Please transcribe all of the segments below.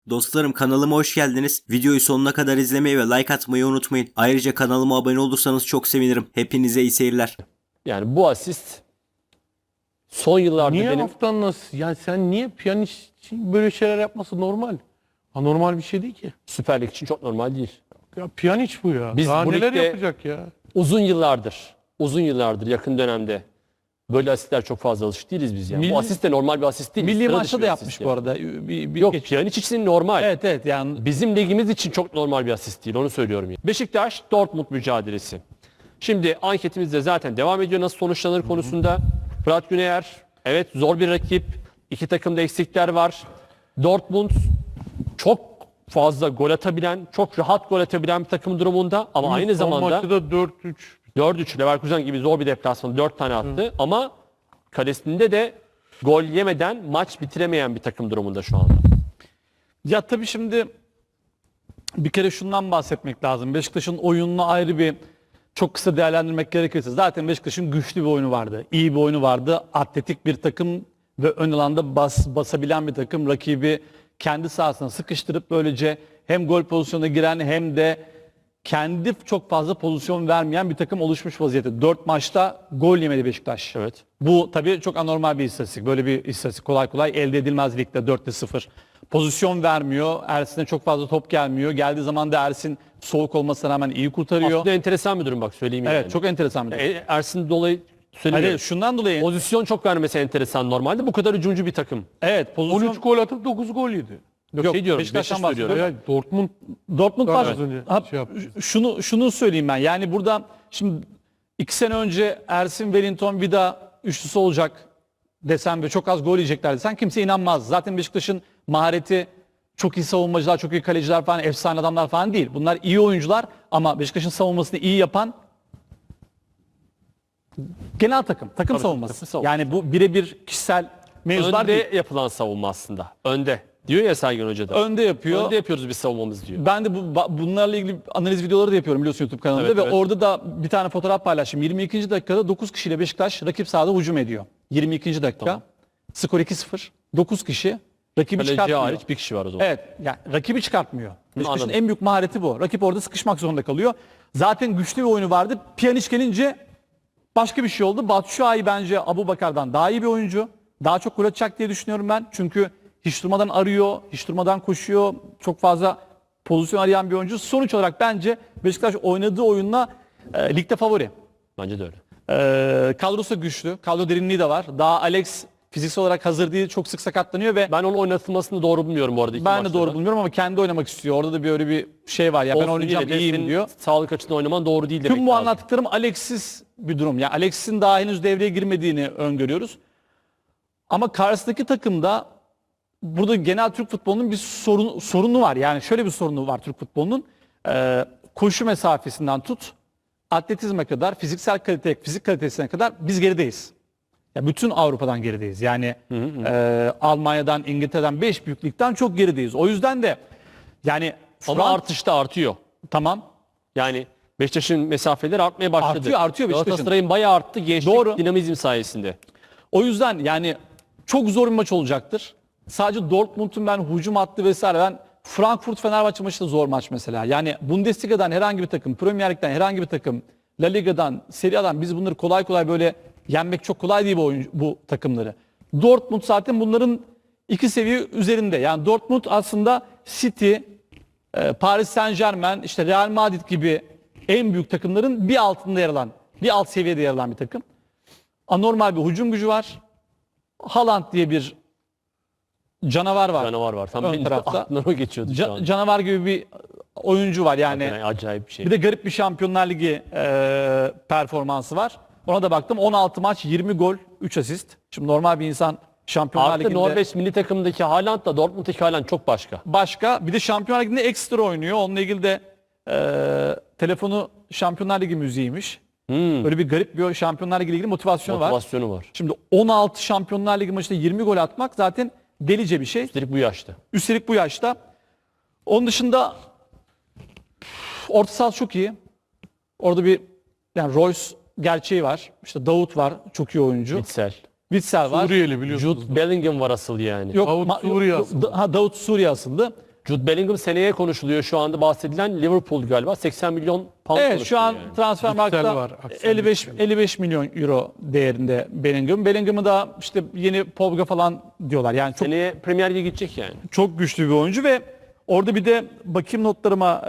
Dostlarım kanalıma hoş geldiniz. Videoyu sonuna kadar izlemeyi ve like atmayı unutmayın. Ayrıca kanalıma abone olursanız çok sevinirim. Hepinize iyi seyirler. Yani bu asist son yıllarda Niye benim haftan nasıl? Yani sen niye Pjanic için böyle şeyler yapması normal? Anormal bir şey değil ki. Süper Lig için çok normal değil. Ya Pjanic bu ya. Biz Daha bu neler ligde- yapacak ya? Uzun yıllardır yakın dönemde böyle asistler çok fazla alışık değiliz biz yani. Milli- Bu asist de normal bir asist değil. Milli Sıra maçta dışı da bir yapmış asist bu yani. arada. Yok Geç- Pjanic için normal. Evet yani Bizim ligimiz için çok normal bir asist değil, onu söylüyorum. Yani. Beşiktaş Dortmund mücadelesi. Şimdi anketimizde zaten devam ediyor nasıl sonuçlanır konusunda. Fırat Güneyer, evet zor bir rakip. İki takımda eksikler var. Dortmund çok fazla gol atabilen, çok rahat gol atabilen bir takım durumunda. Ama aynı Son zamanda maçta da 4-3. 4-3 Leverkusen gibi zor bir deplasman 4 tane attı. Ama kalesinde de gol yemeden maç bitiremeyen bir takım durumunda şu anda. ya tabii şimdi bir kere şundan bahsetmek lazım. Beşiktaş'ın oyununu ayrı bir çok kısa değerlendirmek gerekirse zaten Beşiktaş'ın güçlü bir oyunu vardı. İyi bir oyunu vardı. Atletik bir takım ve ön alanda basabilen bir takım. Rakibi kendi sahasına sıkıştırıp böylece hem gol pozisyonuna giren hem de kendi çok fazla pozisyon vermeyen bir takım oluşmuş vaziyette. 4 maçta gol yemedi Beşiktaş. Evet. Bu tabii çok anormal bir istatistik. Böyle bir istatistik kolay kolay elde edilmez ligde 4'te 0. Pozisyon vermiyor. Ersin'e çok fazla top gelmiyor. Geldiği zaman da Ersin soğuk olmasına rağmen iyi kurtarıyor. Aslında enteresan bir durum bak söyleyeyim Evet yani. çok enteresan bir durum. Ersin dolayı söylüyorum. Hayır, şundan dolayı Pozisyon çok vermesi enteresan normalde. Bu kadar hücumcu bir takım. evet pozisyon 13 gol atıp 9 gol yedi. Yok, Yok, şey diyorum. Beşiktaş'tan Beşiktaş söylüyorum. bahsediyorum. Dortmund Dortmund Evet. var. Az önce Ha, şey yapmışız. şunu söyleyeyim ben. Yani burada şimdi 2 sene önce Ersin, Wellington, Vida üçlüsü olacak desem ve çok az gol yiyecekler desen kimse inanmaz. Zaten Beşiktaş'ın mahareti çok iyi savunmacılar, çok iyi kaleciler falan, efsane adamlar falan değil. Bunlar iyi oyuncular ama Beşiktaş'ın savunmasını iyi yapan genel takım savunması. takım savunması. Yani bu birebir kişisel mevzular Önde değil. yapılan savunma aslında. Önde. Diyor ya Sergen Hoca da. Önde yapıyor. Önde yapıyoruz biz savunmamız diyor. Ben de bunlarla ilgili analiz videoları da yapıyorum biliyorsun YouTube kanalında Evet, ve evet. orada da bir tane fotoğraf paylaştım. 22. dakikada 9 kişiyle Beşiktaş rakip sahada hücum ediyor. 22. dakika. Tamam. Skor 2-0. 9 kişi rakibi Kaleci çıkartmıyor. hariç bir kişi var o zaman. Evet, yani rakibi çıkartmıyor. Beşiktaş'ın anladım. en büyük mahareti bu. Rakip orada sıkışmak zorunda kalıyor. Zaten güçlü bir oyunu vardı. Pjanic gelince başka bir şey oldu. Batshuayi bence Abubakar'dan daha iyi bir oyuncu. Daha çok gol atacak diye düşünüyorum ben. Çünkü hiç durmadan arıyor, hiç durmadan koşuyor. Çok fazla pozisyon arayan bir oyuncu. Sonuç olarak bence Beşiktaş oynadığı oyunla ligde favori. Bence de öyle. Kadrosu güçlü. Kadro derinliği de var. Daha Alex fiziksel olarak hazır değil. Çok sık sakatlanıyor ve Ben onun oynatılmasını doğru bulmuyorum bu arada. iki ben de maçta doğru da. bulmuyorum ama kendi oynamak istiyor. Orada da bir öyle bir şey var. Ya ben Olsun oynayacağım, yine de iyiyim senin diyor. Sağlık açısından oynaman doğru değil demek Tüm bu lazım. anlattıklarım Alex'siz bir durum. Yani Alex'in daha henüz devreye girmediğini öngörüyoruz. Ama karşısındaki takımda burada genel Türk futbolunun bir sorunu var. Yani şöyle bir sorunu var Türk futbolunun. Koşu mesafesinden tut, atletizme kadar, fizik kalitesine kadar biz gerideyiz. Ya bütün Avrupa'dan gerideyiz. Yani Almanya'dan, İngiltere'den 5 büyük ligden çok gerideyiz. O yüzden de yani Ama şu an- artışta artıyor. tamam. Yani Beşiktaş'ın mesafeleri artmaya başladı. Artıyor Beşiktaş'ın. Galatasaray'ın bayağı arttı gençlik Doğru. dinamizm sayesinde. O yüzden yani çok zor bir maç olacaktır. Sadece Dortmund'un ben hücum hattı vesaire ben Frankfurt-Fenerbahçe maçı da zor maç mesela. Yani Bundesliga'dan herhangi bir takım, Premier Lig'den herhangi bir takım, La Liga'dan, Serie A'dan biz bunları kolay kolay böyle yenmek çok kolay değil bu takımları. Dortmund zaten bunların 2 seviye üzerinde. Yani Dortmund aslında City, Paris Saint-Germain, işte Real Madrid gibi en büyük takımların bir altında yer alan, bir alt seviyede yer alan bir takım. Anormal bir hücum gücü var. Haaland diye bir canavar var. Canavar var. Tam Ön benim tarafta. aklımdan o geçiyordu şu an. Canavar gibi bir oyuncu var yani. Yani acayip bir şey. Bir de garip bir Şampiyonlar Ligi performansı var. Ona da baktım. 16 maç, 20 gol, 3 asist. Şimdi normal bir insan Şampiyonlar Artı Ligi'nde Norveç milli takımındaki Haaland'la Dortmund'daki Haaland çok başka. başka. Bir de Şampiyonlar Ligi'nde ekstra oynuyor. Onunla ilgili de telefonu Şampiyonlar Ligi müziğiymiş. Böyle bir garip bir Şampiyonlar Ligi ile ilgili motivasyonu var. Motivasyonu var. Şimdi 16 Şampiyonlar Ligi maçında 20 gol atmak zaten delice bir şey. Üstelik bu yaşta. Üstelik bu yaşta. Onun dışında orta saha çok iyi. Orada bir yani Royce gerçeği var. İşte Davut var. Çok iyi oyuncu. Bitsel. Witsel var. Suriyeli biliyorsunuz. Jude Bellingham var asıl yani. Yok, Davut Suriye asıllı. Davut Suriye asıllı. Jude Bellingham seneye konuşuluyor şu anda bahsedilen Liverpool galiba 80 milyon pound Evet şu konuşuluyor an yani. Transfermarkt'ta var, Aksel 55 milyon euro değerinde Bellingham. Bellingham'ı da işte yeni Pogba falan diyorlar. Yani çok Seneye Premier Lig'e gidecek yani. çok güçlü bir oyuncu ve orada bir de bakayım notlarıma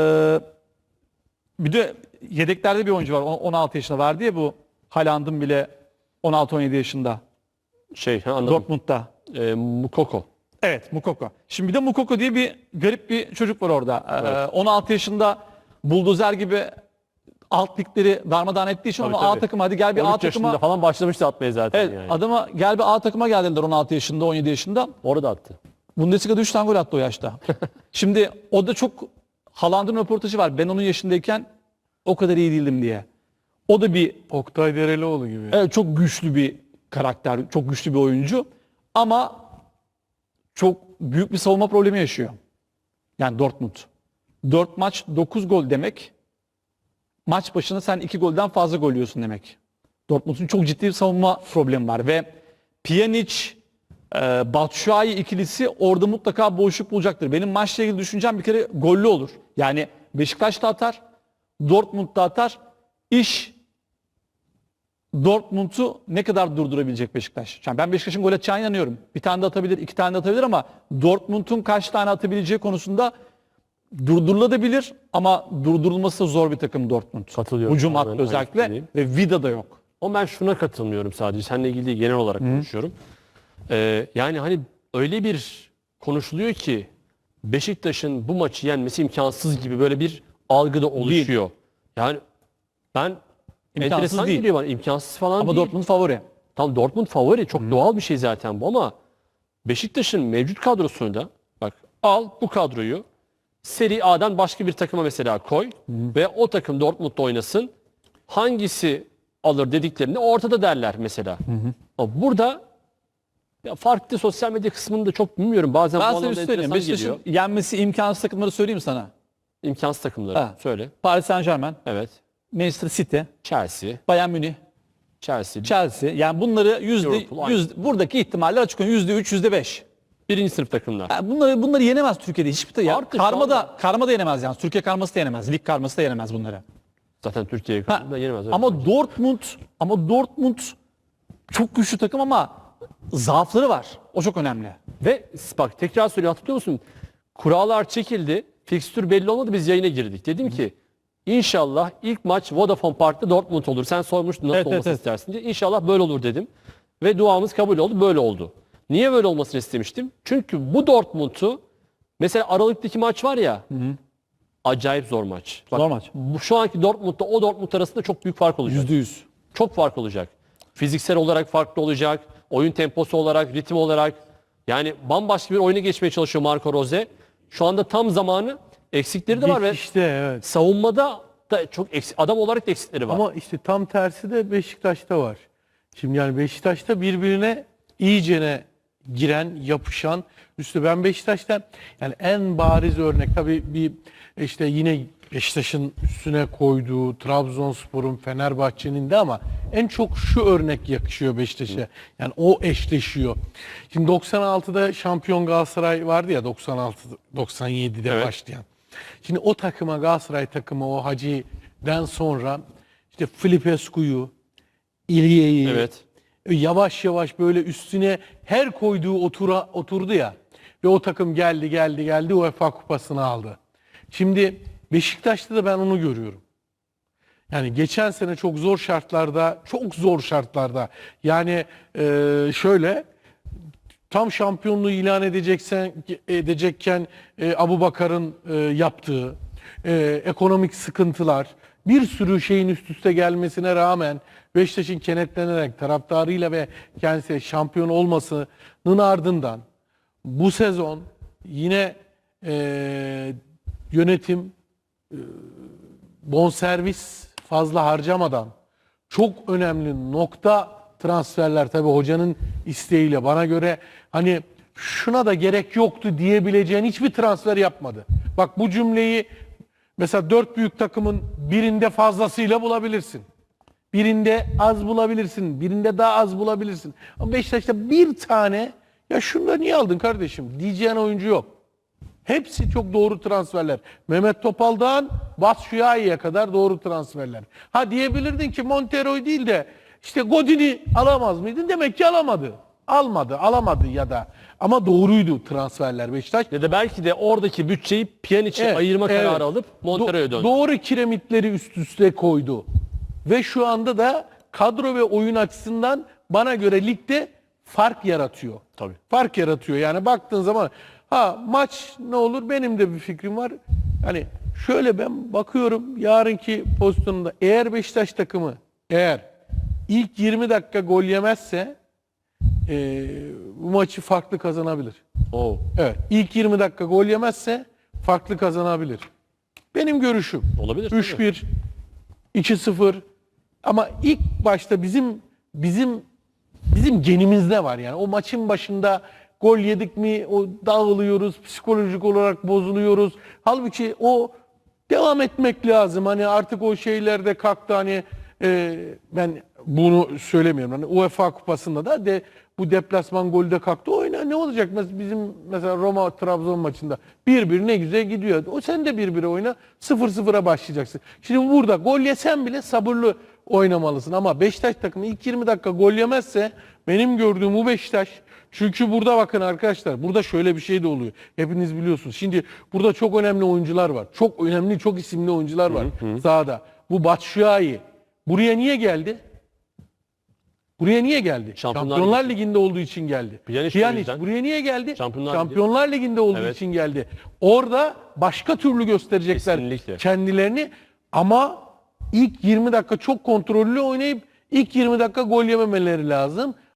bir de yedeklerde bir oyuncu var. 16 yaşında var diye bu Haaland'ın bile 16-17 yaşında Anladım. Dortmund'da. Mukoko. Evet, Mukoko. Şimdi bir de Mukoko diye bir garip bir çocuk var orada. 16 yaşında buldozer gibi alt ligleri darmadağın ettiği için Tabii, onu A tabii. takıma hadi gel bir 13 A yaşında takıma. falan başlamıştı atmaya zaten Evet, yani. adama gel bir A takıma gel dediler 16 yaşında, 17 yaşında. Orada attı. Bundesliga'da 3 tane gol attı o yaşta. Şimdi o da çok Haaland'ın röportajı var. Ben onun yaşındayken o kadar iyi değildim diye. O da bir Oktay Derelioğlu gibi. evet, çok güçlü bir karakter, çok güçlü bir oyuncu. Ama çok büyük bir savunma problemi yaşıyor. Yani Dortmund. 4 maç 9 gol demek. Maç başına sen 2 golden fazla gol yiyorsun demek. Dortmund'un çok ciddi bir savunma problemi var ve Pjanic, Batshuayi ikilisi orada mutlaka boşluk bulacaktır. Benim maçla ilgili düşüncem bir kere gollü olur. Yani Beşiktaş da atar, Dortmund da atar. İş Dortmund'u ne kadar durdurabilecek Beşiktaş? Yani ben Beşiktaş'ın gol atacağına inanıyorum. Bir tane de atabilir, 2 tane de atabilir ama Dortmund'un kaç tane atabileceği konusunda durdurulabilir ama durdurulması da zor bir takım Dortmund. Katılıyorum. Hücum Tamamen hattı aynı özellikle fikirdeyim. ve Vida da yok. Ama ben şuna katılmıyorum sadece. Seninle ilgili değil, genel olarak konuşuyorum. Yani hani öyle bir konuşuluyor ki Beşiktaş'ın bu maçı yenmesi imkansız gibi böyle bir algı da oluşuyor. Yani ben İmkansız enteresan değil. geliyor bana. İmkansız falan Ama değil. Dortmund favori. Tam Dortmund favori. Çok doğal bir şey zaten bu ama Beşiktaş'ın mevcut kadrosunu da bak al bu kadroyu Serie A'dan başka bir takıma mesela koy ve o takım Dortmund'da oynasın. Hangisi alır dediklerinde ortada derler mesela. Ama burada ya farklı sosyal medya kısmını da çok bilmiyorum. Bazen Ben bu sana bir anlamda şey söyleyeyim. enteresan Beşiktaş'ın geliyor. yenmesi imkansız takımları söyleyeyim sana. İmkansız takımları. Ha. Söyle. Paris Saint-Germain, Evet. Manchester City, Chelsea. Bayern Münih, Chelsea. Chelsea. Yani bunları Liverpool, aynı. buradaki ihtimaller açık. %3, %5. Birinci sınıf takımlar. Yani bunları yenemez Türkiye'de hiçbir ya. Artı şu anda- Karma da yenemez yani. Türkiye karması da yenemez. Lig karması da yenemez bunları. Zaten Türkiye'ye Ha, kadar yenemez. öyle. ama Dortmund çok güçlü takım ama zaafları var. O çok önemli. Ve bak tekrar söylüyorum, hatırlıyor musun? Kurallar çekildi. Fikstür belli olmadı. Biz yayına girdik. Dedim ki inşallah ilk maç Vodafone Park'ta Dortmund olur. Sen sormuştun nasıl Evet, olmasını evet. istersin diye. İnşallah böyle olur dedim. Ve duamız kabul oldu. Böyle oldu. Niye böyle olmasını istemiştim? Çünkü bu Dortmund'u mesela Aralık'taki maç var ya acayip zor maç. Bak, Zor maç. Şu anki Dortmund'da o Dortmund arasında çok büyük fark olacak. %100. Çok fark olacak. Fiziksel olarak farklı olacak. Oyun temposu olarak, ritim olarak. Yani bambaşka bir oyuna geçmeye çalışıyor Marco Rose. Şu anda tam zamanı. Eksikleri de var ve İşte evet. savunmada da çok adam olarak da eksikleri var. Ama işte tam tersi de Beşiktaş'ta var. Şimdi yani Beşiktaş'ta birbirine iyicene giren, yapışan, üstü ben Beşiktaş'ta yani en bariz örnek tabii bir işte yine Beşiktaş'ın üstüne koyduğu Trabzonspor'un, Fenerbahçe'nin de ama en çok şu örnek yakışıyor Beşiktaş'a. Yani o eşleşiyor. Şimdi 96'da şampiyon Galatasaray vardı ya 97'de Evet. başlayan. Şimdi o takıma Galatasaray takımı o Hacı'den sonra işte Filipescu'yu, İlye'yi Evet. yavaş yavaş böyle üstüne her koyduğu oturdu ya ve o takım geldi UEFA kupasını aldı. Şimdi Beşiktaş'ta da ben onu görüyorum. Yani geçen sene çok zor şartlarda yani şöyle tam şampiyonluğu ilan edecekken Abubakar'ın yaptığı ekonomik sıkıntılar bir sürü şeyin üst üste gelmesine rağmen Beşiktaş'ın kenetlenerek taraftarıyla ve kendisi şampiyon olmasının ardından bu sezon yine yönetim bonservis fazla harcamadan çok önemli nokta transferler tabii hocanın isteğiyle bana göre hani şuna da gerek yoktu diyebileceğin hiçbir transfer yapmadı. Bak bu cümleyi mesela 4 büyük takımın birinde fazlasıyla bulabilirsin. Birinde az bulabilirsin, birinde daha az bulabilirsin. Ama Beşiktaş'ta bir tane ya şunu da niye aldın kardeşim diyeceğin oyuncu yok. Hepsi çok doğru transferler. Mehmet Topal'dan Batshuayi'ye kadar doğru transferler. Ha diyebilirdin ki Montero'yu değil de işte Godin'i alamaz mıydın? Demek ki alamadı. Alamadı ya da. Ama doğruydu transferler Beşiktaş. Ya da belki de oradaki bütçeyi Pjanic'e Evet, ayırma evet. kararı alıp Montero'ya döndü. Doğru kiremitleri üst üste koydu. Ve şu anda da kadro ve oyun açısından bana göre ligde fark yaratıyor. Tabii. Fark yaratıyor. Yani baktığın zaman maç ne olur benim de bir fikrim var. Hani şöyle ben bakıyorum yarınki pozisyonunda eğer Beşiktaş takımı ilk 20 dakika gol yemezse bu maçı farklı kazanabilir. Oo. Evet. İlk 20 dakika gol yemezse farklı kazanabilir. Benim görüşüm. Olabilir, tabii. 3-1, 2-0 ama ilk başta bizim genimizde var yani. O maçın başında gol yedik mi o dağılıyoruz, psikolojik olarak bozuluyoruz. Halbuki o devam etmek lazım. Hani artık o şeyler de kalktı hani ben bunu söylemiyorum. Hani UEFA Kupası'nda da bu deplasman golü de kalktı. Oyna ne olacak? Mesela Roma Trabzon maçında 1-1 ne güzel gidiyor. O sen de 1-1'e oyna. 0-0'a başlayacaksın. Şimdi burada gol yesen bile sabırlı oynamalısın. Ama Beşiktaş takımı ilk 20 dakika gol yemezse benim gördüğüm bu Beşiktaş. Çünkü burada bakın arkadaşlar. Burada şöyle bir şey de oluyor. Hepiniz biliyorsunuz. Şimdi burada çok önemli oyuncular var. Çok önemli, çok isimli oyuncular var sahada. Bu Batshuayi. Buraya niye geldi? Buraya niye geldi? Şampiyonlar Ligi'nde olduğu için geldi. Pjanic buraya niye geldi? Şampiyonlar Ligi'nde olduğu Evet. için geldi. Orada başka türlü gösterecekler Kesinlikle. kendilerini ama ilk 20 dakika çok kontrollü oynayıp ilk 20 dakika gol yememeleri lazım.